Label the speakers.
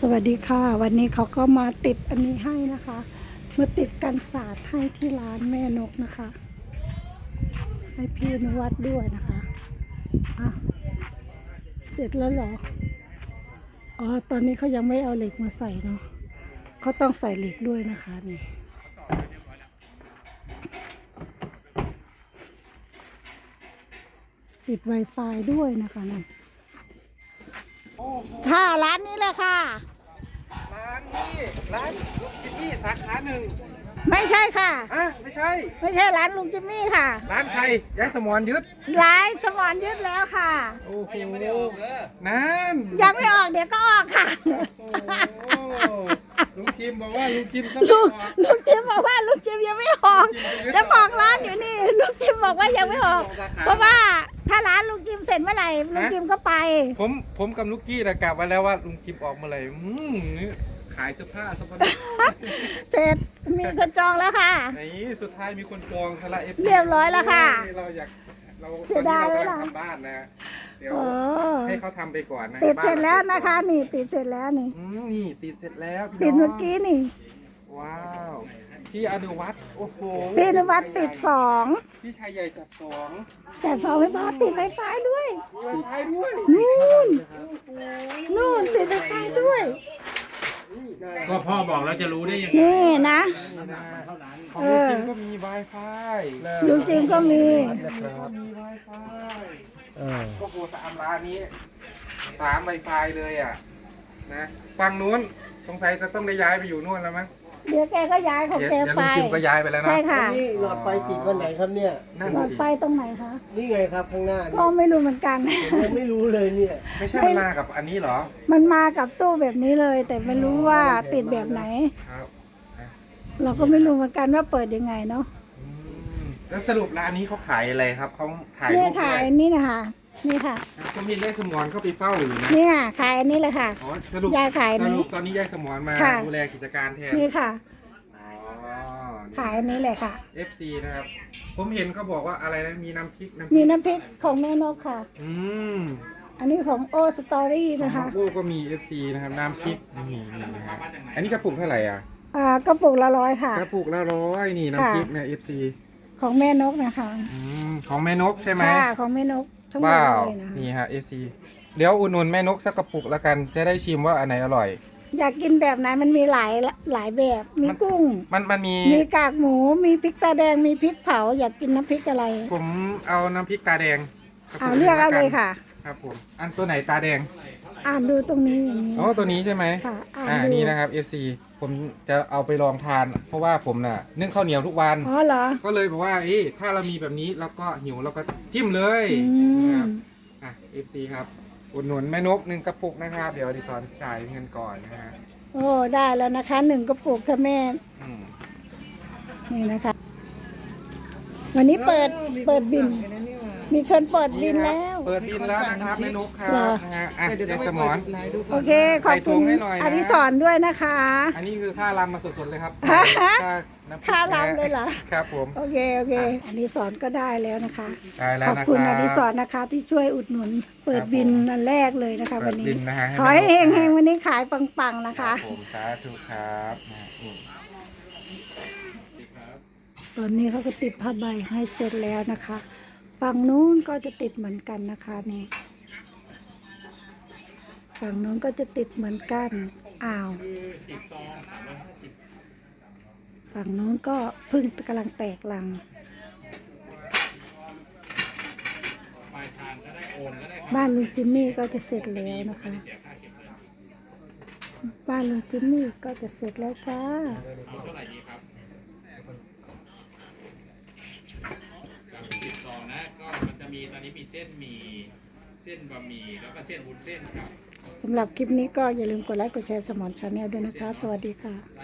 Speaker 1: วัสดีค่ะวันนี้เขาก็มาติดอันนี้ให้นะคะมาติดกันศาสตร์ให้ที่ร้านแม่นกนะคะให้พี่นวัดด้วยนะคะอ่ะเสร็จแล้วเหรออ๋อตอนนี้เขายังไม่เอาเหล็กมาใส่เนาะเขาต้องใส่เหล็กด้วยนะคะนี่ติด Wi-Fi ด้วยนะคะนี่ค่ะร้านนี้เลยค่ะ
Speaker 2: ร้านลุงจิมมี่สาขาหนึ่ง
Speaker 1: ไม่ใช่ค่ะ
Speaker 2: ไม่ใช่
Speaker 1: ไม่ใช่ร้านลุงจิมมี่ค่ะ
Speaker 2: ร้านใครยายสมรยึด
Speaker 1: ร้านสมรยึดแล้วค่ะ
Speaker 2: โอ้โหนั่น
Speaker 1: ยังไม่ออกเดี๋ยวก็ออกค่ะ
Speaker 2: โอ้ลุงจิมบอกว่าลุงจิมต้อง
Speaker 1: ลุง
Speaker 2: ออก
Speaker 1: ลุงจิมบอกว่าลุงจิมยังไม่ออกเจ้าของร้านอยู่นี่ลุงจิมบอกว่ายังไม่ออก เพราะว่าถ้าร้านลุงจิมเสร็จเมื่อไหร่ลุงจิมก็ไป
Speaker 2: ผมกับลูกกี้นะกลับมาแล้วว่าลุงจิมออกเมื่อไหร่นี่ขายเสื้อผ้าสปอนเซอร์
Speaker 1: เสร็จมีคนจองแล้วค่ะ
Speaker 2: ไหนสุดท้ายมีคนจองทะละเอฟ
Speaker 1: เรียบร้อยแล้วค่ะ
Speaker 2: เราอยากเรา
Speaker 1: เสียดาย
Speaker 2: ตอนนี้
Speaker 1: เว
Speaker 2: เรา
Speaker 1: ลา
Speaker 2: กำลังทำบ้านนะเดี๋ยว
Speaker 1: โอ้
Speaker 2: ให้เขาทำไปก่อนนะ
Speaker 1: ติดเสร็จแล้วนะคะ นี่ติดเสร็จแล้วนี่
Speaker 2: นี่ติดเสร็จแล้วพี่
Speaker 1: ติด
Speaker 2: น้
Speaker 1: เมื่
Speaker 2: อ
Speaker 1: อง กี้นี่
Speaker 2: ว้าวพี่อนุวัฒน์โอ้โห
Speaker 1: พี่นวัดติดสอง
Speaker 2: พี่ชายใหญ่จัดสอง
Speaker 1: แต่สองไม่พอติดไฟฟ้าด้วย
Speaker 2: ไวไฟด้วย
Speaker 1: นู่นติดไฟฟ้าด้วย
Speaker 3: ก็พ่อบอกแล้วจะรู้ได้ยังไง
Speaker 1: นี่นะ
Speaker 2: ของลุงจิมก็มี Wi-Fi
Speaker 1: ลุงจิมก็มี
Speaker 2: ก็มี Wi-Fi ก็โหสามร้านนี้3 Wi-Fi เลยอ่ะนะฝั่งนู้นสงสัยจะต้องได้ย้ายไปอยู่นู่นแล้วมั้ง
Speaker 1: เดี๋ยวแกก็ย้ายของ
Speaker 2: เดี๋ยว
Speaker 1: แก
Speaker 2: เดี๋ยว
Speaker 1: ไป
Speaker 2: ลุงจิมก็ย้ายไปแล้วนะ
Speaker 1: ใช่ค่ะ
Speaker 4: นี่หลอดไฟติดวันไหนครับเนี่ย
Speaker 2: นั่น
Speaker 1: หลอด
Speaker 2: สิ
Speaker 1: ไฟตรงไหนคะ
Speaker 4: นี่ไงครับข้างหน้า
Speaker 1: ก็
Speaker 4: นี่
Speaker 1: ไม่รู้เหมือนกัน
Speaker 4: ผมยังไม่รู้เลยเนี่ย
Speaker 2: ไม่ใช่มันมากับอันนี้เหรอ
Speaker 1: มันมากับตู้แบบนี้เลย แต่ไม่รู้ว่าติดแบบไหน
Speaker 2: ครับนะ
Speaker 1: เราก็ไม่รู้เหมือนกันว่าเปิดยังไงเนาะ
Speaker 2: อืมแล้วสรุปร้านนี้เขาขายอะไรครับเขาถ่าย
Speaker 1: นี่
Speaker 2: รูปด้
Speaker 1: ขา
Speaker 2: วย ย
Speaker 1: นี่นะคะนี่ค่ะ
Speaker 2: ก็มียายสมรเข้าไปเฝ้าอยู่นะ
Speaker 1: นี่ค่ะขายอันนี้เลยค่ะ
Speaker 2: อ๋อสรุป
Speaker 1: ยายขายนี้
Speaker 2: สรุปตอนนี้ยายสมรมา
Speaker 1: ค่ะ
Speaker 2: ดูแลกิจการแทน
Speaker 1: นี่ค่ะ
Speaker 2: อ๋อ
Speaker 1: ขายอันนี้เลยค่ะ
Speaker 2: FC นะครับ ผมเห็นเขาบอกว่าอะไรนะ มีน้ำพริก
Speaker 1: นี่น้ำพริกของแม่นกค่ะ
Speaker 2: อืม
Speaker 1: อันนี้ของโอสตอรี่นะคะ
Speaker 2: โอ้ก็มี FC นะครับ น้ำพริกนี่นะฮะอันนี้กระปุกเท่าไหร่อ่ะ
Speaker 1: กระปุกละ100ค่ะ
Speaker 2: กระปุกละ100นี่น้ำพริกนะ FC
Speaker 1: ของแม่นกนะคะ
Speaker 2: ของแม่นกใช่ไหม
Speaker 1: ค่ะของแม่นกทั้งหมด
Speaker 2: ว้าว
Speaker 1: เลยนะคะ
Speaker 2: นี่ฮะ FC เดี๋ยวอุดหนุนแม่นกสักกระปุกละกัน จะได้ชิมว่าอันไหนอร่อย
Speaker 1: อยากกินแบบไหนมันมีหลายแบบ มีกุ้ง
Speaker 2: มันมี
Speaker 1: มีกากหมู มีพริกตาแดง มีพริกเผา อยากกินน้ำพริกอะไร
Speaker 2: ผมเอาน้ำพริกตาแดงกระปุ
Speaker 1: เลือกเอาเลยค่ะ
Speaker 2: ครับผม อันตัวไหนตาแดง
Speaker 1: อ่านดูตรงนี้อย่างนี้
Speaker 2: อ๋อตัวนี้ใช่ไหม
Speaker 1: ค่ะอ่านดู
Speaker 2: นี่นะครับ FC ผมจะเอาไปลองทาน เพราะว่าผมน่ะนึ่งข้าวเหนียวทุกวัน
Speaker 1: อ๋อเหรอ
Speaker 2: ก็เลยบอกว่าถ้าเรามีแบบนี้เราก็หิวเราก็จิ้มเลย
Speaker 1: อื
Speaker 2: นะค
Speaker 1: ม
Speaker 2: รับFC ครับอุดหนุนแม่นก1 กระปุกนะครับ เดี๋ยวดิสอนจ่ายเงินก่อนนะฮะ
Speaker 1: โอ้ได้แล้วนะคะ1 กระปุกค่ะแม่
Speaker 2: อืม
Speaker 1: นี่นะคะ วันนี้เปิดบิน มีคนเปิดบินแล้ว
Speaker 2: เปิดบินแล้วนะครับแม่นกครับ
Speaker 1: เหรอ
Speaker 2: นะฮะยายสมอน
Speaker 1: โอเค ขอบคุณ
Speaker 2: ใส่ถุงให้หน่อยนะ
Speaker 1: อดิศรด้วยนะคะ
Speaker 2: อันนี้คือค่ารำมาสดๆเลยครับ น้ำพริก
Speaker 1: ค่ารำเลยเหรอ
Speaker 2: ครับผม
Speaker 1: โอเคอดิศรก็ได้แล้วนะคะ
Speaker 2: ได้แล้ว
Speaker 1: ขอบ
Speaker 2: นะค
Speaker 1: คุณ
Speaker 2: รั
Speaker 1: อบ ดิศรนะคะที่ช่วยอุดหนุน เปิด
Speaker 2: ครับ
Speaker 1: บิน
Speaker 2: ผม
Speaker 1: อันแรกเลยนะคะ
Speaker 2: เปิ
Speaker 1: วั
Speaker 2: ด
Speaker 1: นนี้
Speaker 2: บินนะฮะ
Speaker 1: ขอให้
Speaker 2: แม่
Speaker 1: เฮ
Speaker 2: นก
Speaker 1: งๆวันนี้ขายปังๆนะ
Speaker 2: ครั
Speaker 1: คะ
Speaker 2: บผมสาธุครับนี่
Speaker 1: ตอนนี้เขาก็ติดผ้าใบให้เสร็จแล้วนะคะ ฝั่งนู้นก็จะติดเหมือนกันนะคะนี่ ฝั่งนู้นก็จะติดเหมือนกัน อ้าว ฝั่งนู้นก็เพึ่งกำลังแตกลัง บ้านลุงจิมมี่ก็จะเสร็จแล้วนะคะ บ้านลุงจิมมี่ก็จะเสร็จแล้วจ้า
Speaker 3: ต่อนะก็มันจะมีตอนนี้มีเส้นหมี่เส้นบะหมี่แล้วก็เส้นวุ้นเส้นครับ
Speaker 1: สำหรับคลิปนี้ก็อย่าลืมกดไลค์กดแชร์สมอนชาแนลด้วยนะคะ สวัสดีค่ะ